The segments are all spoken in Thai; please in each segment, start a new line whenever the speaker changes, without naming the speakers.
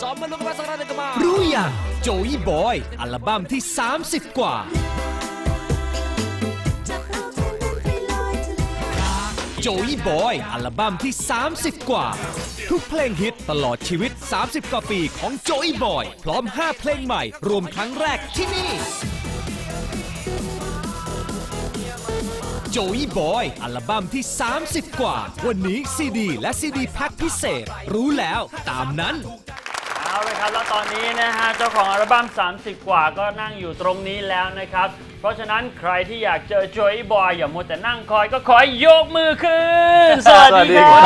รู้ยังโจอี้บอยอัลบั้มที่30กว่าโจอี้บอยอัลบั้มที่30กว่าทุกเพลงฮิตตลอดชีวิต30กว่าปีของโจอี้บอยพร้อม5เพลงใหม่รวมครั้งแรกที่นี่โจอี้บอยอัลบั้มที่30กว่าวันนี้ซีดีและซีดีแพ็คพิเศษรู้แล้วตามนั้น
เอาเลยครับแล้วตอนนี้นะฮะเจ้าของอัลบั้ม30กว่าก็นั่งอยู่ตรงนี้แล้วนะครับเพราะฉะนั้นใครที่อยากเจอโจอี้บอยอย่ามัวแต่นั่งคอยก็ขอยกมือขึ้นสวัสดีครับ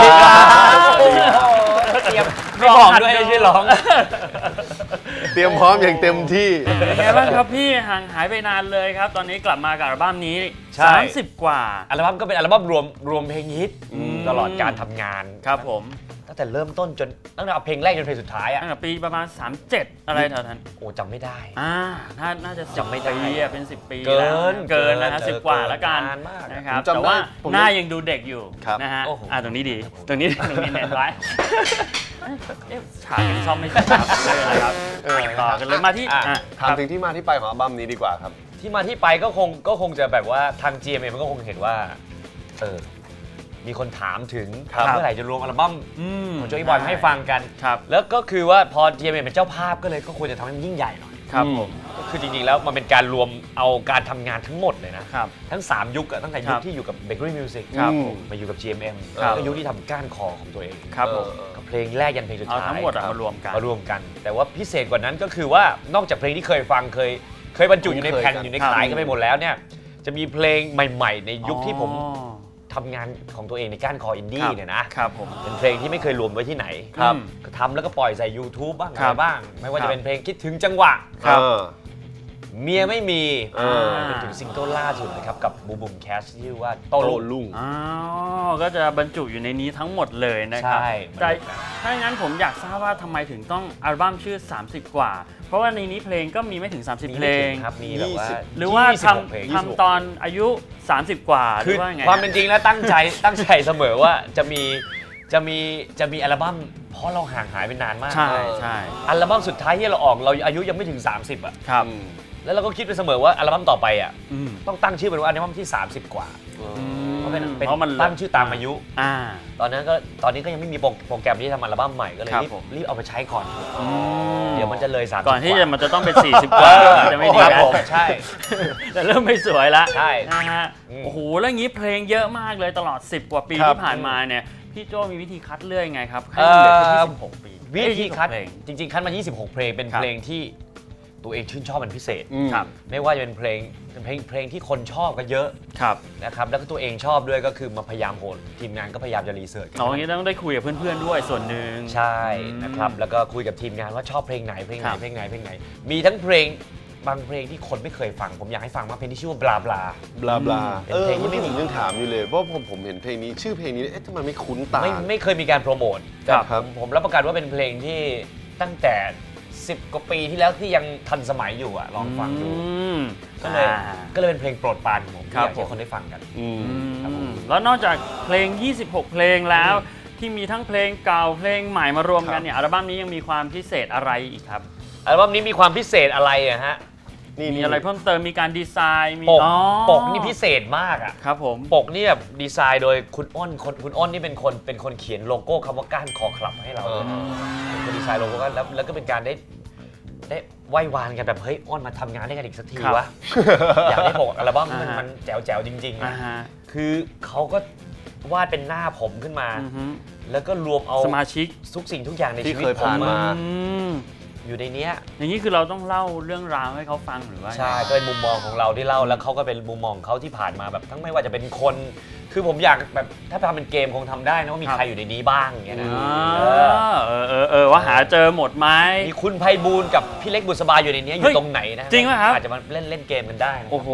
เตรียมร้องด้วยไม่ใช่ร้อง
เตรียมพร้อมอย่างเต็มที่
เป็นไงบ้างครับพี่ห่างหายไปนานเลยครับตอนนี้กลับมากับอัลบั้มนี้30กว่า
อัลบั้มก็เป็นอัลบั้มรวมเพลงฮิตตลอดการทำงาน
ครับผม
ตั้งแต่เริ่มต้นจนตั้งแต่เพลงแรกจนเพลงสุดท้าย
ตั้งแต่ปีประมาณ37อะไรแถวนั้น
โอ้จำไม่ได้
น่าจะ
จำไม่ได้
เป็น10ปี
เกิน
นะฮะ10กว่าแล้วกันนะครับแต่ว่าหน้ายังดูเด็กอยู่นะฮะตรงนี้ดีตรงนี้เน้นไว้ฉากยังชอบไม่ฉากเลยนะครับต่อกันเลยมาที่
ถามถึงที่มาที่ไปของอัลบั้มนี้ดีกว่าครับ
ที่มาที่ไปก็คงจะแบบว่าทาง GMM มันก็คงเห็นว่ามีคนถามถึงเมื่อไหร่จะรวมอัลบั้มของโจอี้บอยให้ฟังกันแล้วก็คือว่าพอ GMM เป็นเจ้าภาพก็ควรจะทำให้มันยิ่งใหญ่หน่อย
ครับผม
ก็คือจริงๆแล้วมันเป็นการรวมเอาการทำงานทั้งหมดเลยนะทั้ง3ยุคตั้งแต่ยุคที่อยู่กับ Bakery Music มาอยู่กับ GMM ก็ยุคที่ทำก้านคอของตัวเองกับเพลงแรกยันเพลงสุดท้าย
ทั้งหมดมารว
มกันแต่ว่าพิเศษกว่านั้นก็คือว่านอกจากเพลงที่เคยฟังเคยบรรจุอยู่ในแผ่นอยู่ในขายกันไปหมดแล้วเนี่ยจะมีเพลงใหม่ๆในยุคที่ผมทำงานของตัวเองในก้านคออินดี้เนี่ยนะครับ
ผม
เป็นเพลงที่ไม่เคยรวมไว้ที่ไหนก็ทำแล้วก็ปล่อยใส่ YouTube บ้างอะไรบ้างไม่ว่าจะเป็นเพลงคิดถึงจังหวะเมียไม่มีเป็นถึงซิงเกิลล่าสุดนะครับกับบูมแคชชื่อว่าโตลุง
ก็จะบรรจุอยู่ในนี้ทั้งหมดเลยนะครับแต่ถ้าอย่างนั้นผมอยากทราบว่าทำไมถึงต้องอัลบั้มชื่อ30กว่าเพราะว่าในนี้เพลงก็มีไม่ถึง30เพลง
ครับมีแบบว่า
หรือว่าทำตอนอายุ30กว่าหรือว่าไง
ความเป็นจริงแล้วตั้งใจเสมอว่าจะมีอัลบั้มเพราะเราห่างหายไปนานมาก
ใช่
อัลบั้มสุดท้ายที่เราออกเราอายุยังไม่ถึง30อ่ะ
ครับ
แล้วเราก็คิดไปเสมอว่าอัลบั้มต่อไปอ่ะต้องตั้งชื่อเป็นว่าอัลบั้มที่30กว่าเพราะมันตั้งชื่อตามอายุตอนนี้ก็ยังไม่มีโปรแกรมที่ทำอัลบั้มใหม่ก็เลยรีบเอาไปใช้ก่อนเดี๋ยวมันจะเลย30
ก่อนที่มันจะต้องเป็น40กว่าจะไม่ดีนะ
ใช่
แต่เริ่มไม่สวยแล้ว
ใช่
นะฮะโอ้โหแล้วงี้เพลงเยอะมากเลยตลอด10กว่าปีที่ผ่านมาเนี่ยพี่โจมีวิธีคัดเลือกยังไงครับให้เหลือแค่26ปี
วิธีคัดจริงๆคัดมา26เพลงเป็นเพลงที่ตัวเองชื่นชอบเป็นพิเศษไม่ว่าจะเป็นเพลงที่คนชอบก็เยอะนะครับแล้วก็ตัวเองชอบด้วยก็คือมาพยายามโหดทีมงานก็พยายามจะรีเสิร์ชกัน
อย่างนี้ต้องได้คุยกับเพื่อนๆด้วยส่วนหนึ่ง
ใช่นะครับแล้วก็คุยกับทีมงานว่าชอบเพลงไหนมีทั้งเพลงบางเพลงที่คนไม่เคยฟังผมอยากให้ฟังมากเพลงที่ชื่อว่าบลา
เพลงที่ผมยังถามอยู่เลยเพราะผมเห็นเพลงนี้ชื่อเพลงนี้ทำไมไม่คุ้นตา
ไม่เคยมีการโปรโมทแต่ผมรับประกันว่าเป็นเพลงที่ตั้งแต่10กว่าปีที่แล้วที่ยังทันสมัยอยู่ลองฟังดูก็เลยเป็นเพลงโปรดปรานของผมที่อยากให้คนได้ฟังกัน
แล้วนอกจากเพลง26เพลงแล้วที่มีทั้งเพลงเก่าเพลงใหม่มารวมกันเนี่ยอัลบั้มนี้ยังมีความพิเศษอะไรอีกครับ
อัลบั้มนี้มีความพิเศษอะไรฮะ
มีอะไรเพิ่มเติมมีการดีไซน์มี
ปกนี่พิเศษมาก
ครับผม
ปกนี่แบบดีไซน์โดยคุณอ้นนี่เป็นคนเขียนโลโก้คำว่าก้านคอคลับให้เราเป็นดีไซน์โลโก้แล้วก็เป็นการได้ไหว้วานกันแบบเฮ้ยอ้อนมาทำงานได้กันอีกสักทีวะอยากได้ปกอัลบั้มมันแจ๋วจริงๆคือเขาก็วาดเป็นหน้าผมขึ้นมาแล้วก็รวมเอา
สมาชิก
ทุกสิ่งทุกอย่างในชีวิตผมมาอยู่ในนี้
อย่างนี้คือเราต้องเล่าเรื่องราวให้เขาฟังหรือว่า
ใช่ก็เป็นมุมมองของเราที่เล่าแล้วเขาก็เป็นมุมมองเขาที่ผ่านมาแบบทั้งไม่ว่าจะเป็นคนคือผมอยากแบบถ้าทำเป็นเกมคงทำได้นะว่ามีใครอยู่ในนี้บ้างอย่างเงี้ยนะ
ว่าหาเจอหมดไหม
มีคุณไพบูลย์กับพี่เล็กบุษบาอยู่ในนี้อยู่ตรงไหนนะ
จริงไหมครับ
อาจจะมาเล่นเกมกันได้
โอ้โห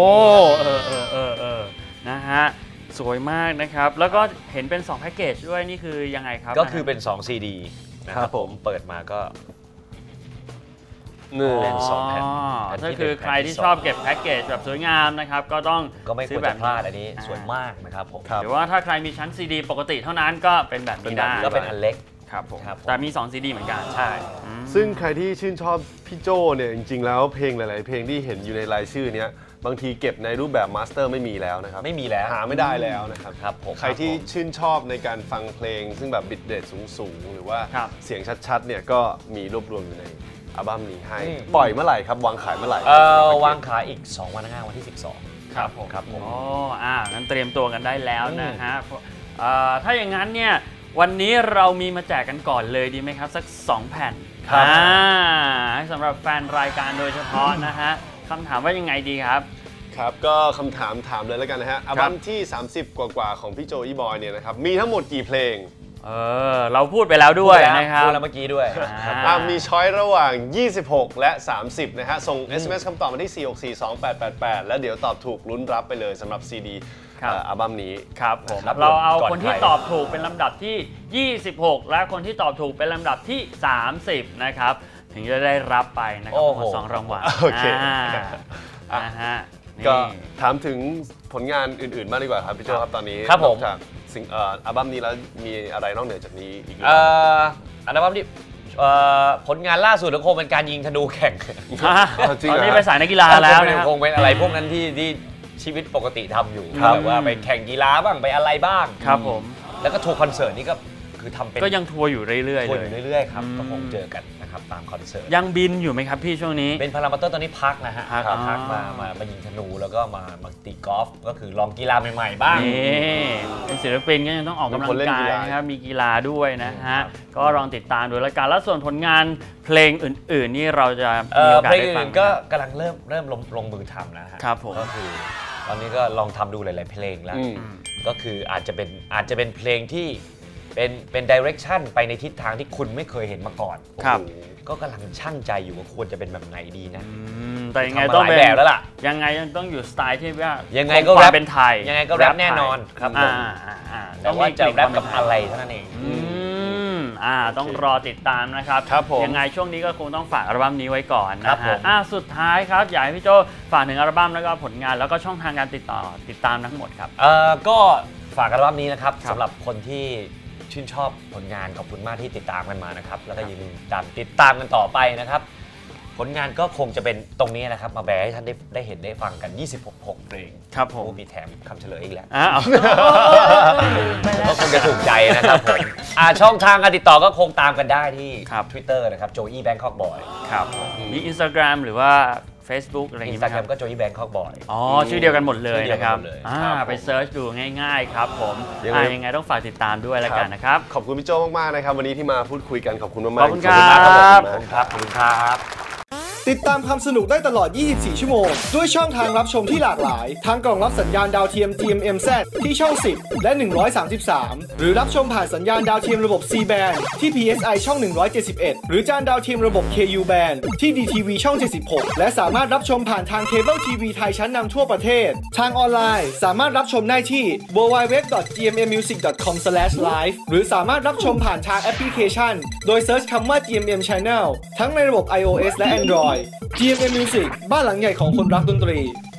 นะฮะสวยมากนะครับแล้วก็เห็นเป็น2แพ็กเกจด้วยนี่คือยังไงครับ
ก็คือเป็น2 CD นะครับผมเปิดมาก็
เล่น2แผ่นถ้าคือใครที่ชอบเก็บแพ็กเกจแบบสวยงามนะครับก็
ไม่ควรจะพลาดอันนี้สวยมากนะครับผม
หรือว่าถ้าใครมีชั้นซีดีปกติเท่านั้นก็เป็นแบบนี้ได้
ก็เป็นอันเล็ก
ครับผม
ครับ
แต่มี2 CD เหมือนกัน
ใช่
ซึ่งใครที่ชื่นชอบพี่โจเนี่ยจริงๆแล้วเพลงหลายๆเพลงที่เห็นอยู่ในรายชื่อเนี้ยบางทีเก็บในรูปแบบมาสเตอร์ไม่มีแล้วนะครับ
ไม่มีแล้ว
หาไม่ได้แล้วนะครับ
ครับผม
ใครที่ชื่นชอบในการฟังเพลง ซึ่งแบบบิตเรทสูงๆหรือว่า
ครับ
เสียงชัดๆเนี่ยก็มีรวบรวมอยู่ในอัลบั้มนี้ให้ปล่อยเมื่อไหร่ครับวางขายเมื่อไหร่
วางขายอีก2 วันข้างหน้าวันที่ 12
ครับผม
ครับผม
อ๋องั้นเตรียมตัวกันได้แล้วนะฮะถ้าอย่างนั้นเนี่ยวันนี้เรามีมาแจกกันก่อนเลยดีไหมครับสัก2 แผ่น
ครับ
ให้สำหรับแฟนรายการโดยเฉพาะนะฮะคำถามว่ายังไงดีครับ
ครับก็คำถามเลยแล้วกันนะฮะอัลบั้มที่ 30 กว่าของพี่โจอีบอยเนี่ยนะครับมีทั้งหมดกี่เพลง
เราพูดไปแล้วด้วยนะครับ
พูดแล้วเมื่อกี้ด้วย
มีช้อยระหว่าง 26 และ 30 นะฮะ ส่ง SMS คำตอบมาที่ 4642888 แล้วเดี๋ยวตอบถูกลุ้นรับไปเลยสำหรับ CD
ครับ
อัลบั้มนี้
ครับผม
ครับ
เราเอา
ก่อน
คนที่
ใคร
ตอบถูกเป็นลำดับที่ 26 และคนที่ตอบถูกเป็นลำดับที่ 30 นะครับถึงจะได้รับไปนะครับทั้งหมด2 รางวัล
โอเค
นะฮะนี่
ก็ถามถึงผลงานอื่นๆบ้างดีกว่าครับพี่โจครับตอนนี้
ครับผม
นอกจากอัลบั้มนี้แล้วมีอะไรนอกเหนือจากนี้อีกไหม
อัลบั้มที่ผลงานล่าสุดก็คงเป็นการยิงธนูแข่ง
จริง
ตอน
เหรอ
นี้ไปสายนักกีฬาแล้วนะ
คงเป็นอะไรพวกนั้นที่ชีวิตปกติทำอยู่
ครับ
แบบว่าไปแข่งกีฬาบ้างไปอะไรบ้าง
ครับผม
แล้วก็ทัวร์คอนเสิร์ตนี่ก็คือทำเป็น
ก็ยังทัวร์อยู่เรื่อยๆ
ทัว
เล
ร์
ย
อยู่เรื่อยๆครับก็คงเจอกันนะครับตามคอนเสิร์ต
ยังบินอยู่ไหมครับพี่ช่วงนี้
เป็นพารามาเตอร์ตอนนี้พักนะฮะ
พัก
พักมายิงธนูแล้วก็มาตีกอล์ฟก็คือลองกีฬาใหม่ๆบ้าง
นี่เป็นศิลปินก็ยังต้องออกกำลังกายนะครับมีกีฬาด้วยนะฮะก็ลองติดตามดูแล้วกันแล้วส่วนผลงานเพลงอื่นๆนี่เราจะมีโอกาส
เพลง
ได้ฟัง
อื่นๆก็กำลังเริ่มลงมือทำแล้วฮะ
ครับผม
ก็คือตอนนี้ก็ลองทำดูหลายๆเพลงแล้ว ก็คืออาจจะเป็นเพลงที่เป็นดิเรกชันไปในทิศทางที่คุณไม่เคยเห็นมาก่อน
ครับ
โอ้โหก็กำลังช่างใจอยู่ว่าควรจะเป็นแบบไหนดีนะ
แต่ยังไง
ทำมา
ต้อง
หลาย
เป็น
แบบแล้วล่ะ
ยังไงยังต้องอยู่สไตล์ที่ว่า
ยั
ยัง
ไงก็
ค
แร
วาม
ป
เป็นไทย
ยังไงก็แรปแน่นอนครับผม แต่ว่าจะแรปกับอะไรเท่านั้นเอง
ต้องรอติดตามนะครับ
ครับผม
ยังไงช่วงนี้ก็คงต้องฝากอัลบั้มนี้ไว้ก่อน
ครั
นะ
บผ
ฮะ
ม
สุดท้ายครับอยากให้พี่โจฝากถึงอัลบั้มแล้วก็ผลงานแล้วก็ช่องทางการติดตามทั้งหมดครับ
ก็ฝากอัลบั้มนี้นะครับ
ครับ
สำหรับคนที่ชื่นชอบผลงานขอบคุณมากที่ติดตามกันมานะครับแล้วก็อย่าลืมติดตามกันต่อไปนะครับ ผลงานก็คงจะเป็นตรงนี้นะครับมาแบร์ให้ท่านได้เห็นได้ฟังกัน 26 เพลง
ครับผม
โอ้มีแถมคำเฉลยอีกแล้ว
อ้าว
ก็คงจะถูกใจนะครับผมช่องทางการติดต่อก็คงตามกันได้ที่
ครับ
Twitter นะครับ Joey Bangkok Boy
ครับมี Instagram หรือว่า Facebook อะไรอย่าง
อิน
งี้
ส
ไหม
ตาแก
ค
ร
รับ
มก็ Joey Bangkok Boy
ชื่อเดียวกันหมดเลย
ชื่อเดียว
นะ
กั
คน รับ
หมดเลยครับ
ไปเซิร์ชดูง่าย ๆ ครับผม
ยังไง
ยังไงต้องฝากติดตามด้วยแล้วกันนะครับ
ขอบคุณพี่โจมากๆนะครับวันนี้ที่มาพูดคุยกันขอบคุณมากๆ
ขอบคุณครับ
มากครับ
ขอบคุณครับขอบคุณครับ
ติดตามความสนุกได้ตลอด 24 ชั่วโมง ด้วยช่องทางรับชมที่หลากหลาย ทั้งกล่องรับสัญญาณดาวเทียม GMMZ ที่ช่อง 10 และ 133 หรือรับชมผ่านสัญญาณดาวเทียมระบบ C band ที่ PSI ช่อง 171 หรือจานดาวเทียมระบบ KU band ที่ DTV ช่อง 76 และสามารถรับชมผ่านทางเคเบิลทีวีไทยชั้นนำทั่วประเทศ ทางออนไลน์สามารถรับชมได้ที่ www.gmmmusic.com/live หรือสามารถรับชมผ่านทางแอปพลิเคชัน โดยเซิร์ชคำว่า GMM Channel ทั้งในระบบ iOS และ Android GMM Music บ้านหลังใหญ่ของคนรักดนตรี